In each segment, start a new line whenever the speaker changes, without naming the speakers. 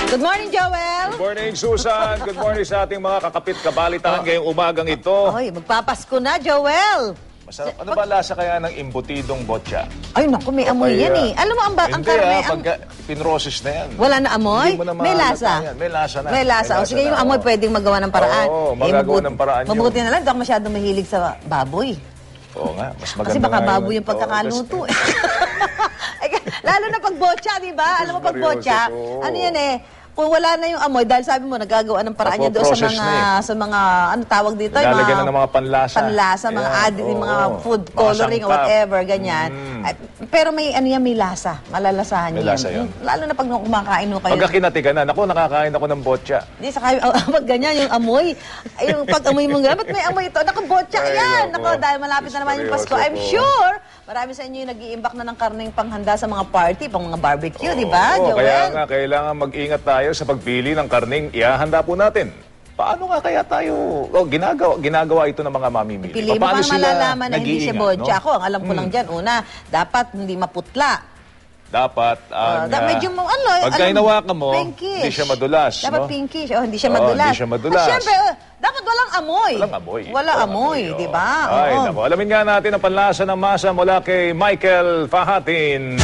Good morning, Joel.
Good morning, Susan. Good morning sa ating mga kakapit kabalitaan ngayong umagang ito.
Ay, magpapasko na, Joel.
Masarap. Ano ba lasa kaya ng imbutidong botcha?
Ay, naku, may amoy yan eh. Alam mo, ang karne...
Pagka pinroses na yan.
Wala na amoy?
Hindi mo na
May lasa.
yan. May lasa na.
May lasa. O sige, yung amoy pwedeng magawa ng paraan.
Oo, magagawa ng paraan yun.
Mabuti na lang, hindi ako masyadong mahilig sa baboy.
Oo nga, mas maganda.
Kasi baka
nga
baboy
yun.
yung pagkakaluto. Lalo na pag botcha, di ba? Alam mo pag botcha, ano yan eh, kung wala na yung amoy, dahil sabi mo, nagagawa ng paraan niya doon sa mga, ano tawag dito?
Lalagyan na ng mga panlasa.
Panlasa, mga added, mga food coloring or whatever, ganyan. Pero may, ano yan, may lasa. Malalasahan
may
yan.
Lasa yan.
Lalo na pag kumakain mo kayo.
Pagka kinatiganan, ako nakakain ako ng botcha.
Hindi, saka pag ganyan, yung amoy. Yung pag-amoy mo gano'n, ba't may amoy ito? Naku, botcha yan! Naku, dahil malapit na naman yung Pasko. I'm sure, marami sa inyo yung nag-iimbak na ng karneng panghanda sa mga party, pang mga barbecue, di ba, Joel?
Kaya nga, kailangan mag-ingat tayo sa pagpili ng karneng ihahanda po natin. Paano nga kaya tayo, ginagawa ito ng mga mamimili?
Pili mo pang malalaman na hindi siya botcha. Ako, ang alam ko lang dyan, una, dapat hindi maputla.
Dapat,
medyo
pagka hinawakan mo,
pinkish.
hindi siya madulas.
Dapat
no?
pinkish. Hindi siya madulas.
Hindi siya madulas.
At syempre, dapat walang amoy.
Walang amoy.
Walang amoy, di ba?
Ay, nako. Alamin nga natin ang panlasa ng masa mula kay Michael Fahatin.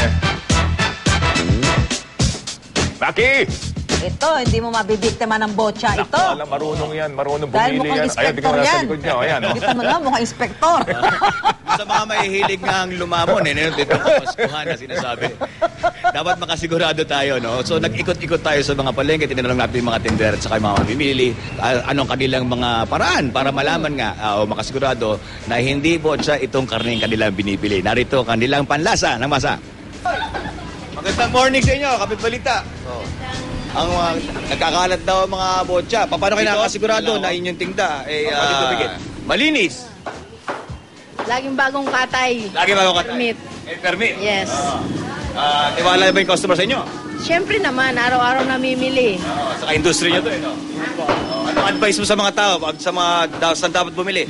Maki!
Ito, hindi mo mabibiktima ng botcha ito.
Alam, marunong yan. Marunong bumili yan.
Dahil mukhang inspektor yan.
Ayan,
Kita mo na, mukhang inspektor.
Sa mga mahihilig nga ang lumamon, dito ang Paskuhan na sinasabi. Dapat makasigurado tayo, no? So, nag-ikot-ikot tayo sa mga palengke, tinanong natin yung mga tender at saka yung mga mamimili, anong kanilang mga paraan para malaman nga, o makasigurado na hindi botcha itong karneng kanilang binibili. Narito kanilang panlasa ng masa. Magandang morning sa inyo, Kapit Balita. Ang nagkakalat daw ang mga botcha. Paano kayo nakakasigurado na inyong tinda malinis?
Laging bagong katay.
Lagi bagong katay?
Permit.
Permit?
Yes.
Tiwala ba yung customer sa inyo?
Siyempre naman, araw-araw namimili.
Saka industry nyo to, no? Anong advice mo sa mga tao sa mga saan dapat bumili?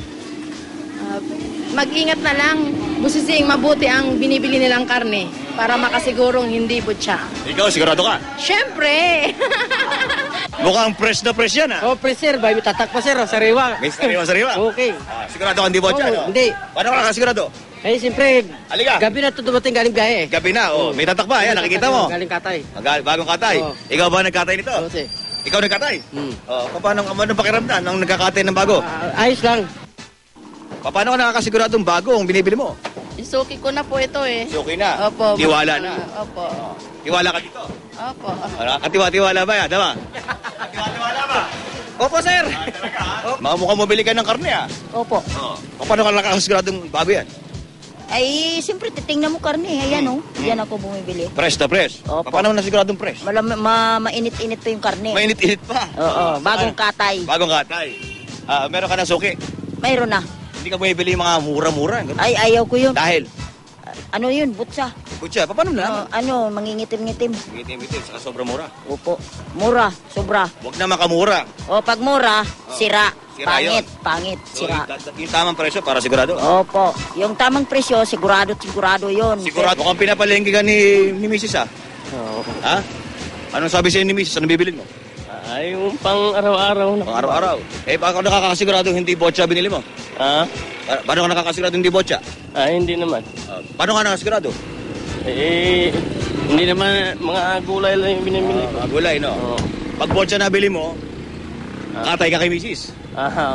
Mag-ingat na lang. Busising mabuti ang binibili nilang karne para makasigurong hindi butya.
Ikaw, sigurado ka?
Siyempre!
Mukhang fresh na fresh yan, ha?
Oh, fresh sir. May tatak pa sir, sariwa.
May sariwa.
Okay.
Sigurado ka hindi botcha, no?
Hindi.
Paano ka nakasigurado?
Eh, siyempre,
Halika.
gabi na ito dumating galing biyahe.
Gabi na, may tatak pa. Ayan, nakikita mo.
Galing katay.
Bagong katay.
Oo.
Ikaw ba nagkatay nito?
Oo, sir.
Ikaw nagkatay? Paano pakiramdam nung nagkakatay ng bago?
Ayos lang.
Paano ka nakakasiguradong bago ang binibili mo?
Isuki ko na po ito eh.
Okay na?
Opo.
Tiwala na?
Opo.
Tiwala ka dito?
Opo.
Katiwa-tiwala ba yan? Tama? Katiwa-tiwala ba? Opo, sir. Mukhang mabili ka ng karne, ha?
Opo.
Paano ka nakakasiguradong bago yan?
Ay, siyempre, titingnan mo karne. Ayan, Diyan ako bumibili.
Fresh na fresh?
Opo.
Paano mo nasiguradong fresh?
Mainit-init pa yung karne.
Mainit-init pa?
Oo, bagong katay.
Bagong katay. Meron ka ng suki?
Mayroon na.
Hindi ka bumibili yung mga mura-mura.
Ay, ayaw ko yun.
Dahil?
Ano yun, butsa.
Kutsa, paano na?
Mangingitim-ngitim.
Ngitim-ngitim, saka sobrang mura.
Opo. Mura, sobra.
Huwag na makamura.
O, pag mura, sira.
Sira yun.
Pangit,
So,
sira.
yung tamang presyo para sigurado.
Opo. Yung tamang presyo, sigurado yun.
Sigurado kang pinapalengke ka ni Mrs. ha?
Oo.
Ha? Anong sabi sa'yo ni Mrs. Ano bibilin mo?
Ay, yung pang araw-araw na.
Pang araw-araw. Paano nakakasigurado hindi botcha binili mo?
Ha?
Paano ka nakakasigurado hindi botcha?
Ay, hindi naman.
Paano ka nakakasigurado?
Eh, hindi naman mga gulay lang yung binimili ko.
Mga gulay, no?
Oo.
Pag botcha na bili mo, katay ka kay Mrs.
Aha.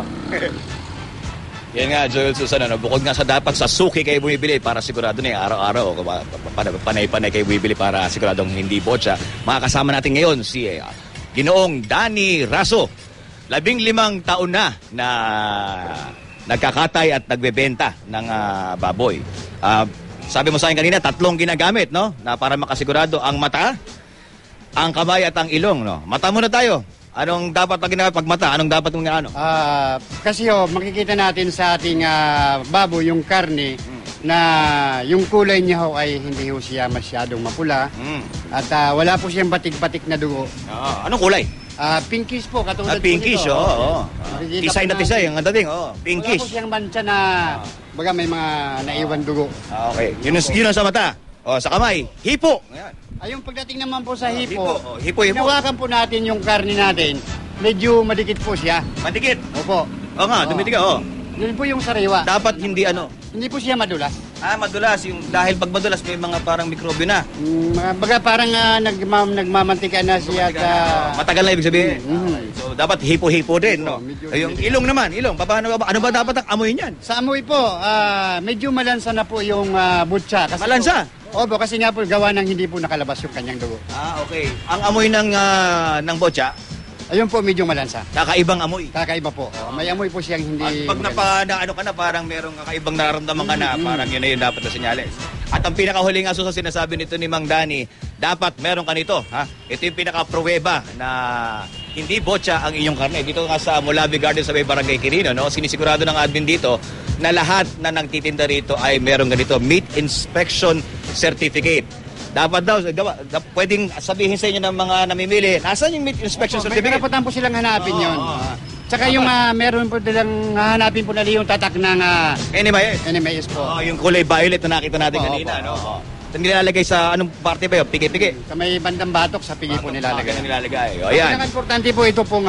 Yan nga, Joel Susan, bukod nga sa dapat sa suki kayo bumibili para sigurado na araw-araw, panay-panay kayo bumibili para siguradong hindi botcha. Makakasama natin ngayon si Ginoong Danny Raso. 15 taon na nagkakatay at nagbebenta ng baboy. Sabi mo sa akin kanina, 3 ginagamit, no? Na para makasigurado ang mata, ang kamay at ang ilong, no? Mata muna tayo. Anong dapat na ginagawa pag mata? Anong dapat mong ano?
Kasi makikita natin sa ating baboy yung karne na yung kulay niya ay hindi ho siya masyadong mapula at wala po siyang batik-batik na dugo.
Anong kulay?
Pinkish po, katulad
pinkish,
po nito.
oo.
Makikita
Tisay
po
na tisay,
natin.
ang ganda din,
Wala
pinkish.
po siyang mancha na baga may mga naiwan dugo.
Okay, yun ang sa mata. O, sa kamay, hipo. Ayan.
Ayun, pagdating naman po sa hipo,
Hipo. Oh, hipo.
hinawakan po natin yung karne natin, medyo madikit po siya.
Mandikit.
Opo.
O nga, dumitiga, o.
Yun po yung sariwa.
Dapat hindi ano.
Hindi po siya madulas.
Madulas. Dahil pag madulas, may mga parang mikrobyo na.
Baga parang nagmamantika na siya at
Matagal na ibig sabihin. Okay. So, dapat hipo-hipo din, no?
medyo-
Yung ilong naman, ilong. Ano ba dapat ang amoy niyan?
sa amoy po, medyo malansa na po yung butsa. Kasi
Malansa?
Opo, kasi nga po gawa ng hindi po nakalabas yung kanyang dugo.
Okay. Ang amoy ng botya,
Ayun po, medyo malansa.
kakaibang amoy.
Kakaiba po. May amoy po siyang
At
hindi...
pag ano ka na, parang merong kakaibang nararamdaman ka na, parang yun na yun dapat na senyales. At ang pinakahuling aso sa sinasabi nito ni Mang Danny, dapat meron ka nito. Ha? Ito yung pinaka-pruweba na hindi botya ang inyong karne. Dito nga sa Molavi Garden sa may Barangay Quirino, no? Sinisigurado ng admin dito na lahat na nagtitinda rito ay meron ganito, Meat Inspection Certificate. Dapat daw, pwedeng sabihin sa inyo ng mga namimili, nasaan yung meat inspection
May
certificate?
karapatan po silang hanapin yun. Tsaka yung meron po nilang hahanapin po nila yung tatak ng
NMIS.
NMAS po.
Yung kulay violet na nakita natin
Opo,
kanina,
opo,
no?
opo.
Ito nilalagay sa anong parte ba yun? Pigi-pigi?
Sa may bandang batok, sa pigi po nilalagay.
Ganun nilalagay. O,
Ang
yan.
pinaka-importante po ito pong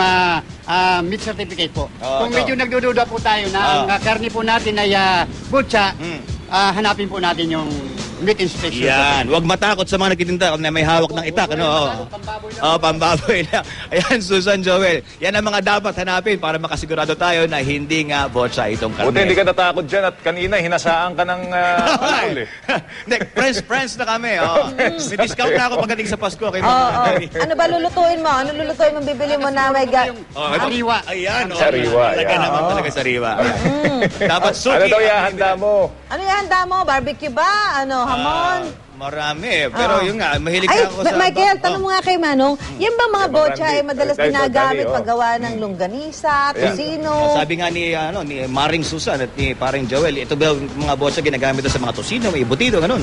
meat certificate po.
Oo,
Kung
ito.
medyo nagdududa po tayo na ang karne po natin ay butya, hanapin po natin yung meat inspection.
Yan. Huwag matakot sa mga nagtitinda na may hawak ng itak, ano? Pambaboy lang. Ayan, Susan Joel. Yan ang mga dapat hanapin para makasigurado tayo na hindi nga botsa itong karne.
Buti hindi ka natakot dyan at kanina hinasaan ka ng alcohol eh.
Hindi, friends na kami. May discount na ako pagdating sa Pasko. Kay
Ano ba lulutuin mo? Ano lulutuin mo? Bibili mo na may
Sariwa.
Ayan.
Sariwa,
Talaga
yan.
naman talaga sariwa. Dapat suki.
Ano daw
ang
ihahanda mo?
Ano yung handa mo? Barbecue ba? Ano, hamon?
Marami. Pero yun nga, mahilig
Ay,
na ako sa...
Michael, tanong mo nga kay Manong, yan ba mga
Kay
botya
Randy.
ay madalas
Kay
ginagamit
Randy,
paggawa ng longganisa, tosino?
Sabi nga ni Maring Susan at ni Paring Joel, ito ba yung mga botsa ginagamit sa mga tosino, may butido, ganun.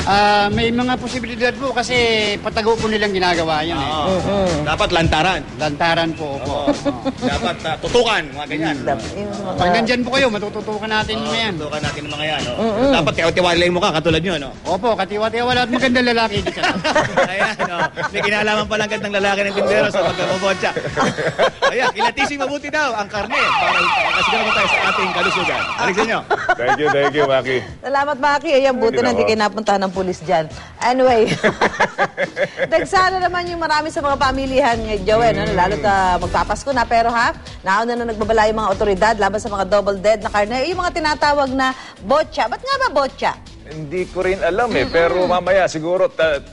May mga posibilidad po kasi patago po nilang ginagawa yun eh.
Dapat lantaran.
Lantaran po po.
Dapat tutukan, mga ganyan.
Pag nandyan po kayo, matututukan natin mo yan.
Tutukan natin ng mga yan. Dapat tiwalay mo ka, katulad nyo, no?
Opo, katiwa-tiwala at magandang lalaki dito.
Ayan, may kinalaman palang gandang lalaki ng tindero sa pagkabobotsa. Ayan, kilatisin mabuti daw ang karne para kasigurado tayo sa ating kalusugan. Balik sa inyo.
Thank you, Maki.
Salamat, Maki. Ayan, buti na hindi kayo napuntahan ng pulis dyan. Anyway, nagsana naman yung marami sa mga pamilihan ngayon, Joel, lalo na magpapasko na. Pero nauna na nagbabala yung mga otoridad laban sa mga double dead na karne. Yung mga tinatawag na botya. Ba't nga ba botya?
Hindi ko rin alam eh, pero mamaya siguro,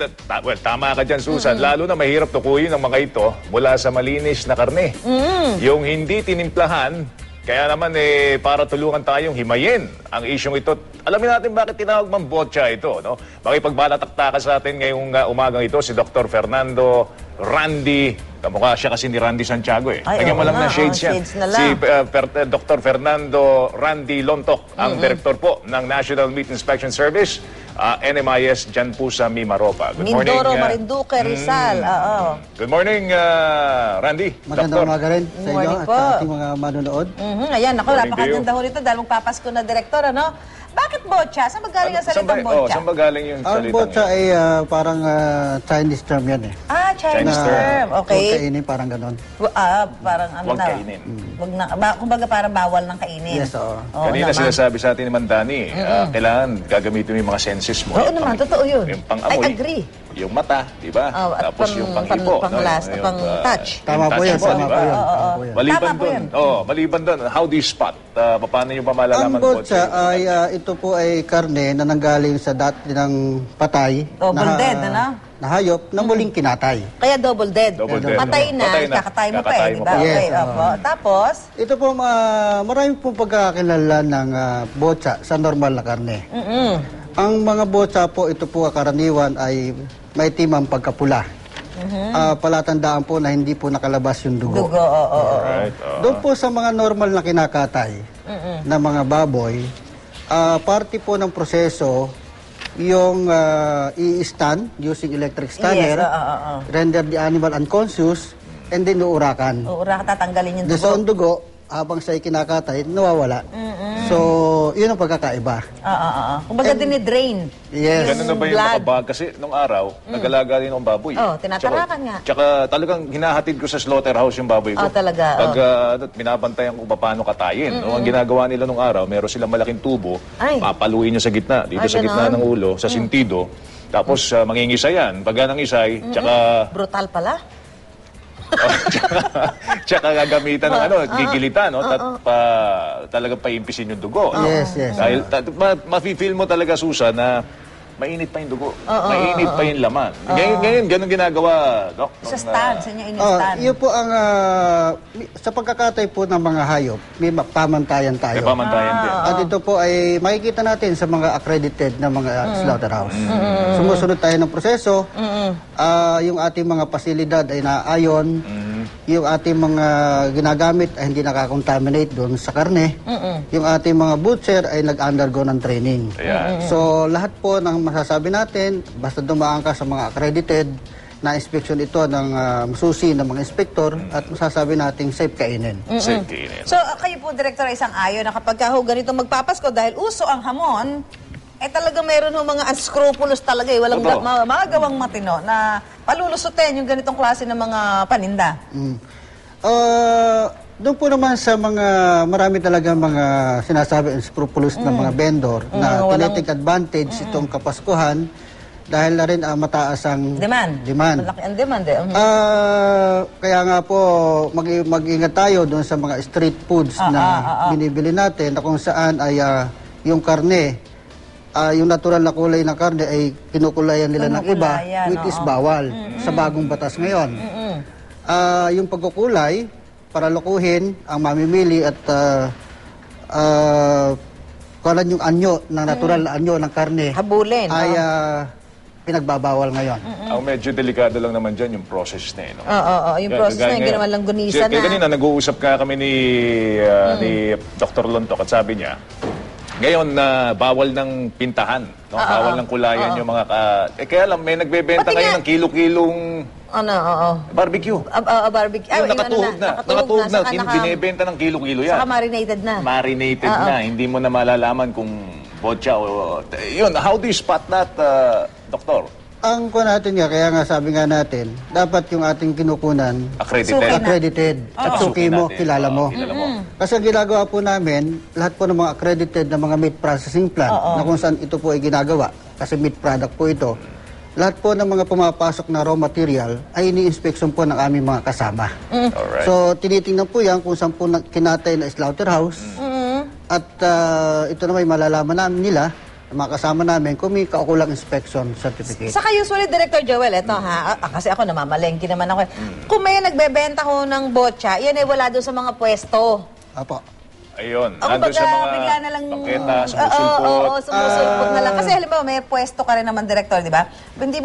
tama ka dyan, Susan. Lalo na mahirap tukuyin ang mga ito mula sa malinis na karne. Yung hindi tinimplahan, kaya naman para tulungan tayong himayin ang isyong ito. Alamin natin bakit tinawag mang botya ito, no? Makipagbalataktakan sa atin ngayong umagang ito si Dr. Fernando Randy. Kamukha siya kasi ni Randy Santiago eh.
Ay,
Lagyan mo
oo
lang
nga,
ng shades yan.
shades na lang.
Si Dr. Fernando Randy Lontok, ang director po ng National Meat Inspection Service, NMIS, dyan po sa Mimaropa. Good morning.
Mindoro, Marinduque, Rizal. Oo.
Good morning, Randy.
Magandang umaga rin sa inyo
Morning
at
po.
sa ating mga manonood.
Ayan, ako,
Morning
napakaganda
to
ho nito dahil magpapasko na direktor, ano? Bakit botya? Saan magaling ang salitang botya?
Saan ba galing yung
Ang
salitang
botsa
yun?
ay parang Chinese term yan eh.
Chinese
Chinese
term.
Huwag
Okay.
kainin, parang ganon.
Parang ano
Huwag
na.
kainin.
Wag na. Kumbaga parang bawal ng kainin.
Yes, oo.
Oo
Kanina
naman.
sinasabi sa atin ni Mandani, kailangan gagamitin mo yung mga senses mo.
Oo
Yung
naman,
pang-
totoo yun.
Yung pang-amoy.
I agree.
Yung mata, di ba?
Oh, at
Tapos yung pang-ipo.
pang-last,
Yung,
pang-touch.
Tama po yan,
touch mo,
tama
di
po
ba?
yan. Tama po yan.
Maliban
Tama po
doon,
yan.
maliban doon, how do you spot? Paano nyo pa malalaman
Ang botsa ay ito po ay karne na nanggaling sa dati ng patay
Double dead, ano?
na hayop na muling kinatay.
Kaya double dead.
Double dead.
Patay na,
Patay na.
kakatay mo pa
Kakatay
eh, di
mo
ba?
pa.
Okay,
Yes,
opo. Tapos,
Ito po, marami pong pagkakilala ng botsa sa normal na karne. Ang mga botsa po, ito po karaniwan ay may timang pagkapula. Palatandaan po na hindi po nakalabas yung dugo.
dugo, oo.
Right.
Doon po sa mga normal na kinakatay na mga baboy, parte po ng proseso yung i-stun using electric stunner,
Yes, oo.
render the animal unconscious, and then uurakan.
Uura ka tatanggalin yung
Doon sa
dugo.
dugo, habang siya kinakatay, nawawala. So, So, yun ang pagkakaiba.
Kumbaga dinidrain.
Yes.
Ganun na ba yung
blood.
makabag? Kasi nung araw, nag-alaga rin ng baboy.
Oh, tinatarakan nga.
Tsaka talagang hinahatid ko sa slaughterhouse yung baboy ko.
Oh, talaga,
Pag binabantayan ko paano katayin. No? Ang ginagawa nila nung araw, meron silang malaking tubo,
Ay.
papaluin niya sa gitna, dito
Ay,
sa gitna
ganon.
ng ulo, sa sintido. Tapos mangingisa yan. Pagka nangisay, tsaka
Brutal pala.
tsaka gagamitan ng gigilitan, no? Talagang paimpisin yung dugo.
Yes, yes.
Dahil mafe-feel mo talaga, Susan, na mainit pa yung dugo. Mainit pa yung laman. Ngayon, ganun ginagawa, Doc.
Sa stand, sa inyo in-stand.
Yun po ang, sa pagkakatay po ng mga hayop, may pamantayan tayo.
May pamantayan din.
At ito po ay makikita natin sa mga accredited na mga slaughterhouse. Sumusunod tayo ng proseso. Yung ating mga pasilidad ay naayon. Yung ating mga ginagamit ay hindi nakakontaminate doon sa karne. Yung ating mga butcher ay nag-undergo ng training.
Ayan.
So lahat po ng masasabi natin, basta dumaan ka sa mga accredited na inspection ito ng susi ng mga inspektor at masasabi nating safe kainin.
Safe kainin.
So, kayo po, Director, ay isang ayon na kapag ganito magpapasko dahil uso ang hamon, talaga meron ng mga unscrupulous talaga walang magagawang matino na palulusutin yung ganitong klase ng mga paninda.
Doon po naman sa mga, marami talaga mga sinasabi unscrupulous na mga vendor na tinitake advantage itong Kapaskuhan dahil na rin mataas ang
Demand. Malaki ang demand
Kaya nga po, mag-ingat tayo doon sa mga street foods na binibili natin na kung saan ay yung karne, yung natural na kulay ng karne ay kinukulayan nila ng iba, which is bawal sa bagong batas ngayon. Yung pagkukulay, para lukuhin ang mamimili at kulan yung anyo, ng natural na anyo ng karne,
habulin,
ay pinagbabawal ngayon.
Ang medyo delikado lang naman dyan yung process na yun.
Yung process na yung ginawa lang gunisa na.
Kanina, nag-uusap ka kami ni Dr. Lontok at sabi niya, ngayon na bawal ng pintahan, no? Bawal ng kulayan yung mga kaya lang may nagbebenta
Pati
ngayon
nga-
ng kilo-kilong barbecue.
Barbecue.
Yung nakatuhog na,
Saka
binebenta ng kilo-kilo yan.
Saka marinated na.
Marinated na, hindi mo na malalaman kung botcha o yun. How do you spot that, Doktor?
Ang kuha natin nga, kaya nga sabi nga natin, dapat yung ating kinukunan accredited. At suki mo, kilala mo.
Kilala mo.
Kasi ang ginagawa po namin, lahat po ng mga accredited na mga meat processing plant na kung saan ito po ay ginagawa, kasi meat product po ito, lahat po ng mga pumapasok na raw material ay ini-inspection po ng aming mga kasama.
Alright.
So, tinitingnan po yan kung saan po kinatay na slaughterhouse. At ito na may malalaman namin nila, mga kasama namin, kung may kaukulang inspection certificate.
Saka usually, Director Joel, eto kasi ako namamalengke naman ako. Kung may nagbebenta ko ng botcha, yan ay wala doon sa mga pwesto.
Apo.
Ayun,
Ako
nandun sa mga
bigla na lang...
bangketa, sumusulpot.
Oo, sumusulpot na lang. Kasi halimbawa, may pwesto ka rin naman, Director, di ba?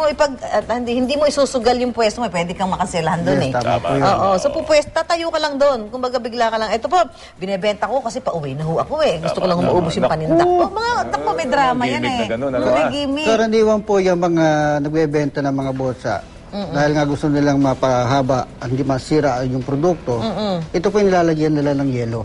Hindi mo isusugal yung pwesto mo, pwede kang makasilahan doon
Yes, tama po yun.
Oo, so tatayo ka lang doon. Kung baga bigla ka lang, ito po, binebenta ko kasi pauwi na ho ako Gusto ko lang maubos yung paninda ko. Mga may drama yan
gimmick na ganun,
May gimmick.
Karaniwan po yung mga nagbebenta ng mga botsa. Dahil nga gusto nilang mapahaba, hindi masira yung produkto, ito po yung nilalagyan nila ng yelo.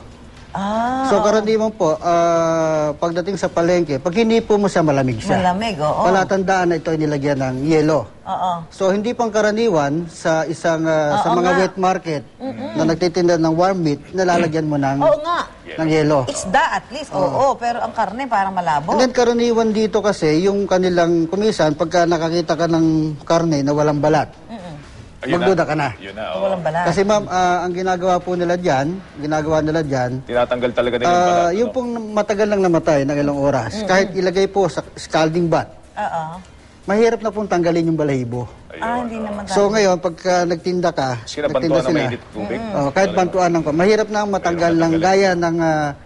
So karaniwan po, pagdating sa palengke, pag hinipo mo siya, malamig siya.
Malamig, oo.
Palatandaan na ito ay nilagyan ng yelo. So hindi pang karaniwan sa isang sa mga wet market na nagtitinda ng warm meat, nalalagyan mo ng ng yelo.
Isda at least, pero ang karne parang malabo.
And then karaniwan dito kasi, yung kanilang kumisan, pagka nakakita ka ng karne na walang balat, magduda ka na.
Yun na, oo.
Walang balat.
Kasi ma'am, ang ginagawa nila dyan,
Tinatanggal talaga nila yung balat.
yung pong matagal lang namatay ng ilang oras, kahit ilagay po sa scalding bath, mahirap na pong tanggalin yung balahibo.
Hindi naman.
So ngayon, pagka nagtinda ka,
Sinabantuan ng mainit tubig.
kahit bantuan ng mahirap na matanggal ng gaya ng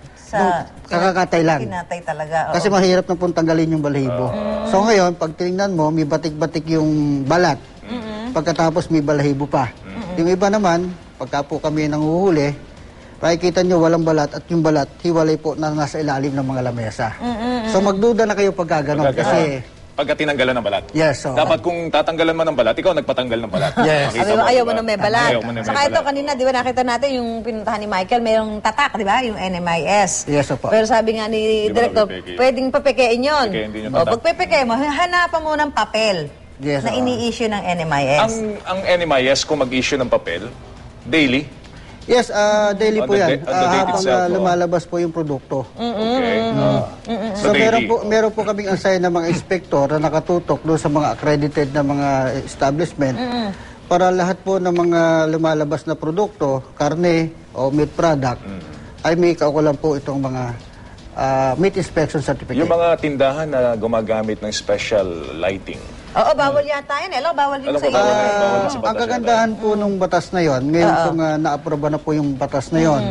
kakakatay lang.
Kinatay talaga.
Kasi mahirap na pong tanggalin yung balahibo. So ngayon, pag tinignan mo, may batik-batik yung balat. Pagkatapos may balahibo pa. Yung iba naman, pagka po kami nanguhuli, makikita nyo walang balat at yung balat, hiwalay po na nasa ilalim ng mga lamesa. So magduda na kayo pag gano'n kasi
Pagka tinanggalan ng balat.
Yes, so.
Dapat kung tatanggalan mo ng balat, ikaw nagpatanggal ng balat.
Yes.
Makita
Sabi mo, ayaw mo
diba?
na may balat.
Ayaw mo na may
Saka ito
balat.
kanina, di ba nakita natin yung pinuntahan ni Michael, mayroong tatak, di ba? Yung NMIS.
Yes, opo.
Pero sabi nga ni
Di ba
Director,
napipeke?
pwedeng papekein yun.
Pekein din yung
O,
tatak.
pag pepeke mo, hanapan mo ng papel
Yes,
na
oo.
ini-issue ng NMIS.
Ang NMIS, kung mag-issue ng papel, daily,
Yes, daily
On
po
the
yan.
on the date
Habang
itself,
lumalabas po yung produkto.
okay?
So meron po kaming assign ng mga inspector na nakatutok doon sa mga accredited na mga establishment para lahat po ng mga lumalabas na produkto, karne o meat product, ay may kaukulan po itong mga meat inspection certificate.
Yung mga tindahan na gumagamit ng special lighting,
Oo, bawal yata yun. Hello, bawal din
Alam
sa
ko,
iyo.
bawal din. Bawal din sa
Ang
batas
kagandahan po nung batas na yon, ngayon pong naaproba na po yung batas na yon,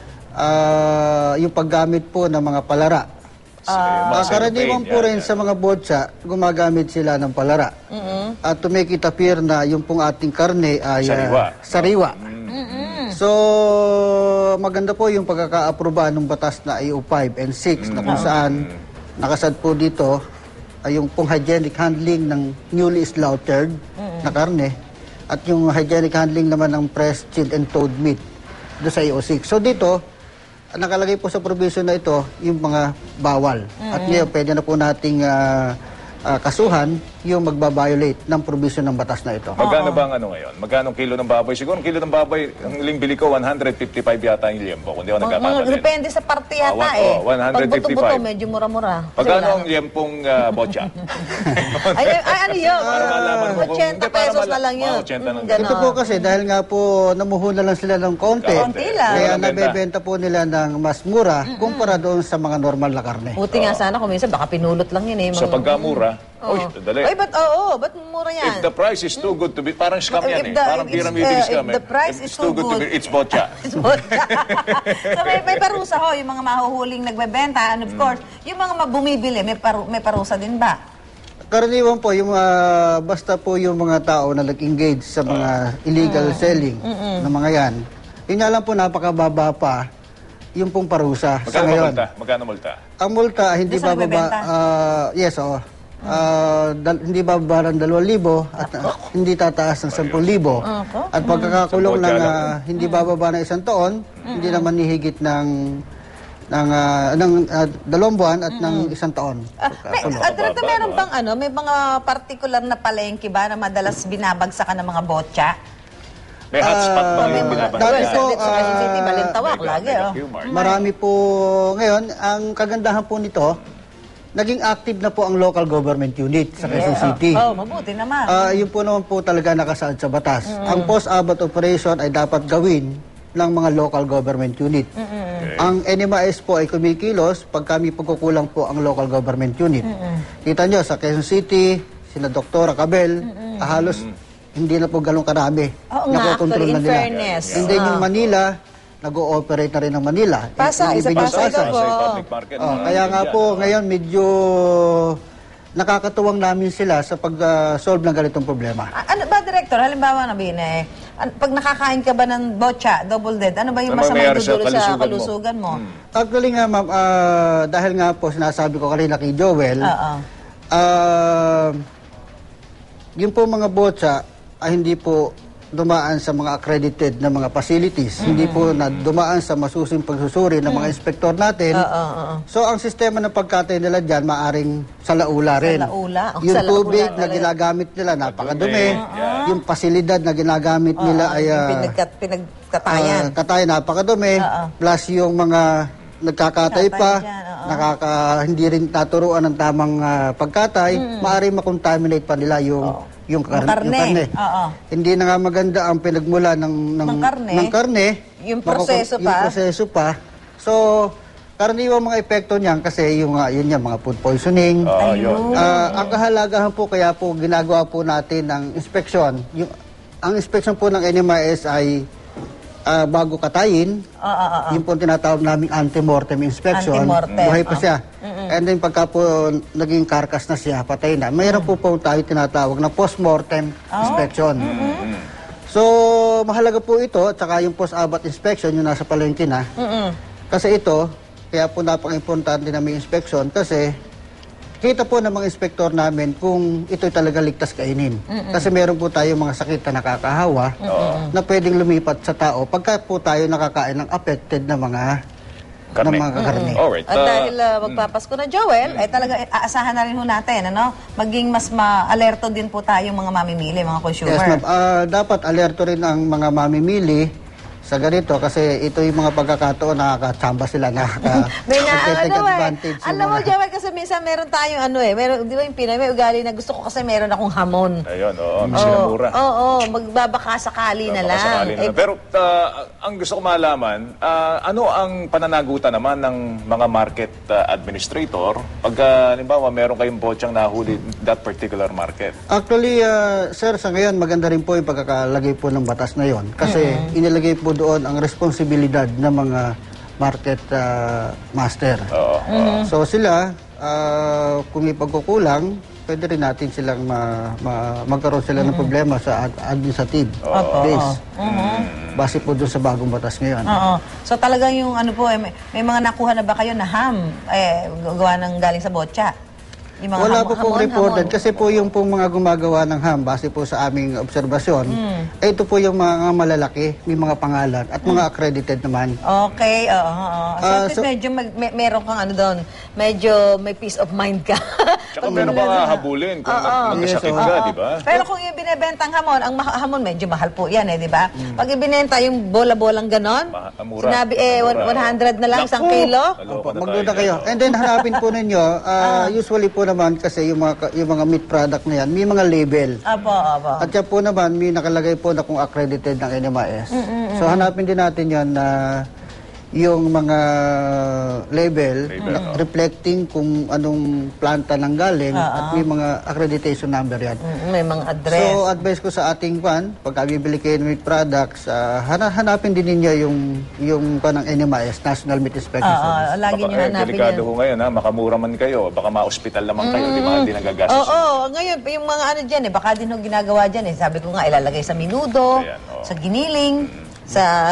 yung paggamit po ng mga palara. Karaniwan po rin sa mga botsa, gumagamit sila ng palara. At to make it appear na yung pong ating karne ay sariwa. So, maganda po yung pagkaka-aproba ng batas na IO 5 and 6 na kung saan nakasad po dito ay yung pong hygienic handling ng newly slaughtered na karne at yung hygienic handling naman ng pressed, chilled, and thawed meat do sa IO 6. So dito, nakalagay po sa provision na ito yung mga bawal. At ngayon, pwede na po nating kasuhan yung magbabiolate ng provision ng batas na ito.
magkano ba ang ano ngayon? Magkano ang kilo ng baboy? Siguro ang kilo ng baboy, ang huling bili ko, 155 yata yung liempo, kung di ako nagkakamali.
Depende sa parte yata
Oh, 155.
Pag buto-buto, medyo mura-mura. Kasi
Magkano
wala
ang liempong botcha?
ay, ano yun?
Para malaman mo kung-
80
hindi, para
pesos na lang yun.
80 lang.
Ganon.
Ito po kasi dahil nga po namuhuna lang sila ng konti.
Konti lang.
Kaya
Walang benta.
nabebenta po nila ng mas mura kumpara doon sa mga normal na karne.
Buti nga sana kung minsan baka pinulot lang yun eh.
Sa pagkamura, dali.
Ay, ba't mura yan?
If the price is too good to be, parang scam yan
If
eh.
the-
Parang
if it's,
pyramiding scam
if the price is
It's
too
too good to
good.
be, it's botcha.
So may parusa ho, yung mga mahuhuling nagbebenta. And of course, yung mga bumibili, may parusa din ba?
Karaniwan po, yung, basta po yung mga tao na nag-engage sa mga illegal selling ng mga yan, yun nga lang po napakababa pa yung pong parusa sa
Magkano
ngayon.
multa? Magkano multa?
Ang multa hindi
Doon sa
bababa,
nagbebenta?
yes, oo. Hindi bababa ng 2,000 at hindi tataas ng 10,000. At pagkakakulong ng hindi bababa ng 1 taon, hindi naman hihigit ng 2 buwan at ng 1 taon.
Direkto, meron bang may mga particular na palengke ba na madalas binabagsakan ng mga botcha?
May hotspot ba
may
yung
mga
binabanggit?
dati po,
sa Quezon City, Balintawak, lagi.
Q-Mart.
Marami po ngayon, ang kagandahan po nito, naging active na po ang local government unit sa Quezon City.
Oh, mabuti naman.
Yun po naman po talaga nakasaad sa batas. Ang post-abat operation ay dapat gawin ng mga local government unit. Ang NMIS po ay kumikilos pag kami pagkukulang po ang local government unit. Kita nyo, sa Quezon City, sina Dr. Cabel, halos hindi na po galong karami.
Oo nga,
Nakokontrol
actually,
na
in
nila.
fairness.
And then yung Manila, nag-ooperate na rin ng Manila.
Pasay, sa
Ibig yung
Pasay daw po.
Sa public market.
Kaya nga po, ngayon medyo nakakatuwang namin sila sa pag-solve ng ganitong problema.
Ano ba, Director? Halimbawa na pag nakakain ka ba ng botcha, double dead, ano ba yung
Ano
masama
mangyayari sa
dudulo sa
kalusugan mo?
kalusugan mo?
Actually nga ma'am, dahil nga po sinasabi ko kanina kay Joel,
Oo.
yung po mga botsa ay hindi po dumaan sa mga accredited na mga facilities. Hindi po na dumaan sa masusing pagsusuri ng mga inspektor natin. So, ang sistema ng pagkatay nila dyan, maaring salaula rin.
Salaula? Oh,
Yung
salaula
tubig
na
na
rin.
ginagamit nila, napakadumi. Yung pasilidad na ginagamit nila ay
Pinagkatayan.
katay, napakadumi. Plus yung mga nagkakatay pa,
Katay dyan,
hindi rin naturuan ng tamang pagkatay, maaring makontaminate pa nila yung karne.
Oo.
Hindi na nga maganda ang pinagmula ng karne.
Yung proseso pa.
Yung proseso pa. So, karaniwang mga epekto niyan kasi yun yan, mga food poisoning.
Yun.
Ang kahalagahan po, kaya po ginagawa po natin ng inspeksyon. Ang inspeksyon po ng NMIS ay bago katayin, yung po tinatawag naming antemortem inspection.
Antemortem,
Buhay pa siya. And then pagka po naging karkas na siya, patay na, mayroon po tayo tinatawag na postmortem inspection. So, mahalaga po ito, at saka yung post-abat inspection, yung nasa palengke na. Kasi ito, kaya po napaka-importante na may inspection kasi kita po ng mga inspektor namin kung ito'y talaga ligtas kainin. Kasi meron po tayo mga sakit na nakakahawa na pwedeng lumipat sa tao pagka po tayo nakakain ng affected na mga
Karne.
karne.
Alright.
At dahil magpapasko na, Joel, ay talaga aasahan na rin ho natin, ano? Maging mas ma-alerto din po tayong mga mamimili, mga consumer.
Yes, ma'am. Dapat alerto rin ang mga mamimili sa ganito kasi ito yung mga pagkakataon nakakatsamba sila,
May nga,
take advantage. yung
alam mo,
mga-
Joel, kasi minsan meron tayong meron, di ba yung Pinay, may ugali na gusto ko kasi meron akong hamon.
Ayun, sinamura.
Oo, magbabaka sakali na lang.
Sakali na lang. Pero ang gusto ko malaman, ano ang pananagutan naman ng mga market administrator pag halimbawa meron kayong botsang nahuli that particular market?
Actually, sir, sa ngayon maganda rin po yung pagkakalagay po ng batas na yon kasi inilagay po doon ang responsibilidad ng mga market master. So sila, kung may pagkukulang, pwede rin natin silang magkaroon sila ng problema sa administrative base. Base po doon sa bagong batas ngayon.
Oo. So talagang yung may mga nakuha na ba kayo na ham, gawa ng galing sa botya? Yung mga
Wala po pong reported
hamon.
kasi po yung pong mga gumagawa ng ham, base po sa aming obserbasyon, ito po yung mga malalaki, may mga pangalan at mga accredited naman.
Okay, oo. So, at least
so-
medyo meron kang doon, medyo may peace of mind ka.
Tsaka meron ka habulin kung magkasakit
Yes,
ka, di ba?
Pero kung yung binibentang hamon, ang hamon medyo mahal po yan di ba? Pag ibinenta yung bola-bolang ganon,
Mura.
sinabi
Mura.
100 na lang
Naku!
isang kilo.
Naloko na
Magduda
tayo
kayo.
dyan,
And then hanapin po ninyo, usually po naman kasi yung mga meat product na yan, may mga label.
Apo.
At yan po naman, may nakalagay po na kung accredited ng NMIS. So hanapin din natin yan na yung mga label, reflecting kung anong planta nang galing at may mga accreditation number yan.
May mga address.
So advice ko sa ating pagka bibili kayo ng meat products, hanapin din ninyo yung ng NMIS, National Meat Inspection Service.
Lagi nyo hanapin
delikado
yan.
ho ngayon, makamura man kayo, baka ma-hospital naman kayo, di ba? Hindi nagagastos.
Oo, ngayon, yung mga dyan baka din ho ginagawa dyan Sabi ko nga, ilalagay sa minudo,
Ayan,
sa giniling, sa,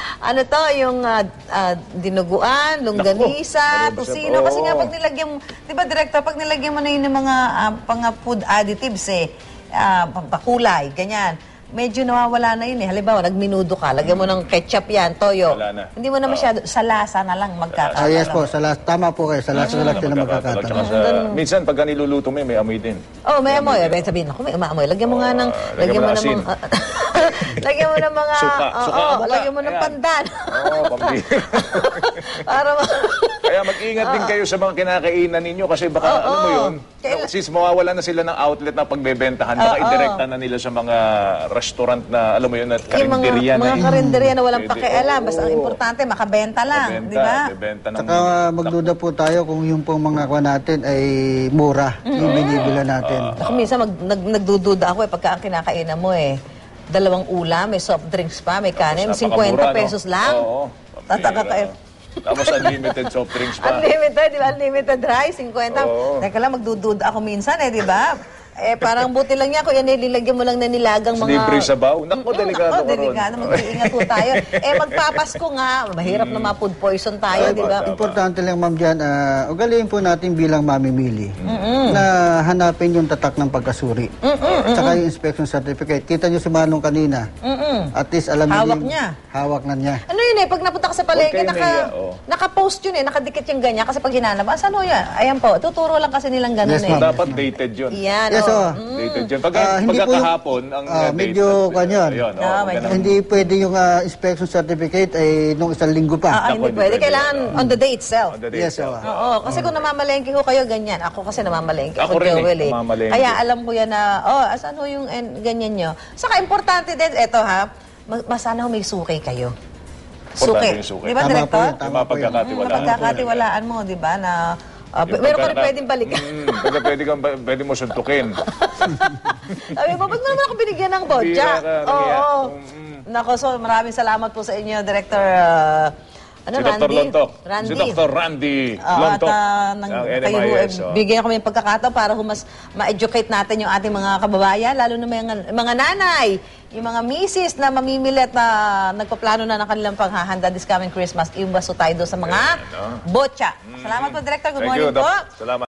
yung dinuguan, longganisa,
Naku,
tusino.
oo.
Kasi nga, pag nilagyan mo, di ba, Director, pag nilagyan mo na yun ng mga food additives, pakulay, ganyan. Medyo nawawala na yun Halimbawa, nagminudo ka, lagyan mo ng ketchup yan, toyo.
Wala na.
Hindi mo na masyado, sa lasa na lang magkakaroon.
Yes po, tama po kayo, sa last na lang sila
Tsaka
magkakataon.
minsan, pagka niluluto may amoy din.
Oh, may amoy. Sabihin ako, may umaamoy. Lagyan mo nga ng...
lagyan mo ng
ng
asin.
mga... lagyan mo ng mga...
Suka. Suka ang mata.
lagyan mo ng
Ayan.
pandan.
Pambira.
Para
Kaya mag-ingat din kayo sa mga kinakainan ninyo kasi baka, alam mo yun, since mawawala na sila ng outlet na pagbebentahan, baka idirekta na nila sa mga restaurant na, alam mo yun, at
yung
karinderya na.
mga karinderya na walang
Pwede.
pakialam. Basta ang
Oo.
importante, makabenta lang. Di ba?
Bebenta ng...
Saka magduda po tayo kung yung pong mga kuha natin ay mura, yung binibila natin.
Ako minsan nagdududa ako pagka ang kinakainan mo 2 ulam, may soft drinks pa, may kanin, 50
napakamura, no?
pesos lang.
Oo.
Tataka ka.
Tapos unlimited soft drinks pa.
Unlimited, di ba? Unlimited rice, 50.
Oo.
Teka lang, magdududa ako minsan di ba? Parang buti lang niya, kuya, nilagyan mo lang na nilagang mga...
Libre sabaw. Naku, delikado ka ron.
delikado. Mag-iingat po tayo. Magpapasko nga, mahirap na ma-food poison tayo, di ba?
Importante lang, ma'am, dyan, ugaliin po natin bilang mamimili na hanapin yung tatak ng pagkasuri. Tsaka yung inspection certificate. Kita nyo si Manong kanina. At least alam
Hawak
yung-
niya.
Hawak na niya.
Ano yun pag napunta ka sa palengke,
Huwag kayo nahiya,
naka-post yun nakadikit yung ganyan. Kasi pag hinanap, saan ho yan? Ayan po, tuturo lang kasi nilang ganun
Yes, ma'am.
Dapat dated yun.
Yan,
Yes,
Dated yun. Pagka
hindi po yung-
kahapon, ang
medyo kanyan.
medyo-
Hindi pwede yung inspection certificate ay nung isang linggo pa.
hindi pwede. Kailangan on the day itself.
Yes,
Oo, kasi kung namamalengke ho kayo, ganyan. Ako kasi namamalengke
Ako
ako,
rin
Joel
namamalengke.
Kaya alam ko yan na, asan ho yung ganyan nyo. Saka importante din, eto masana ho may suki kayo.
Importante yung suki.
Di ba,
Tama po
Director?
yun, tama po yun.
Mapagkakatiwalaan mo, di ba, na meron ka rin pwedeng balikan.
Pwede mo suntukin.
Sabi mo, ba't mo naman ako binigyan ng botya?
Bira ka, nangiya.
Nako, so maraming salamat po sa inyo, Director
Si Dr. Lontok. Si Dr. Randy Lontok.
At kayo bigyan kami ng pagkakataon para mas ma-educate natin yung ating mga kababayan, lalo na mga nanay, yung mga misis na mamimili at na nagpaplano na ng kanilang paghahanda this coming Christmas. Iwas tayo doon sa mga botya. Salamat po, Director. Good morning po.
Salamat.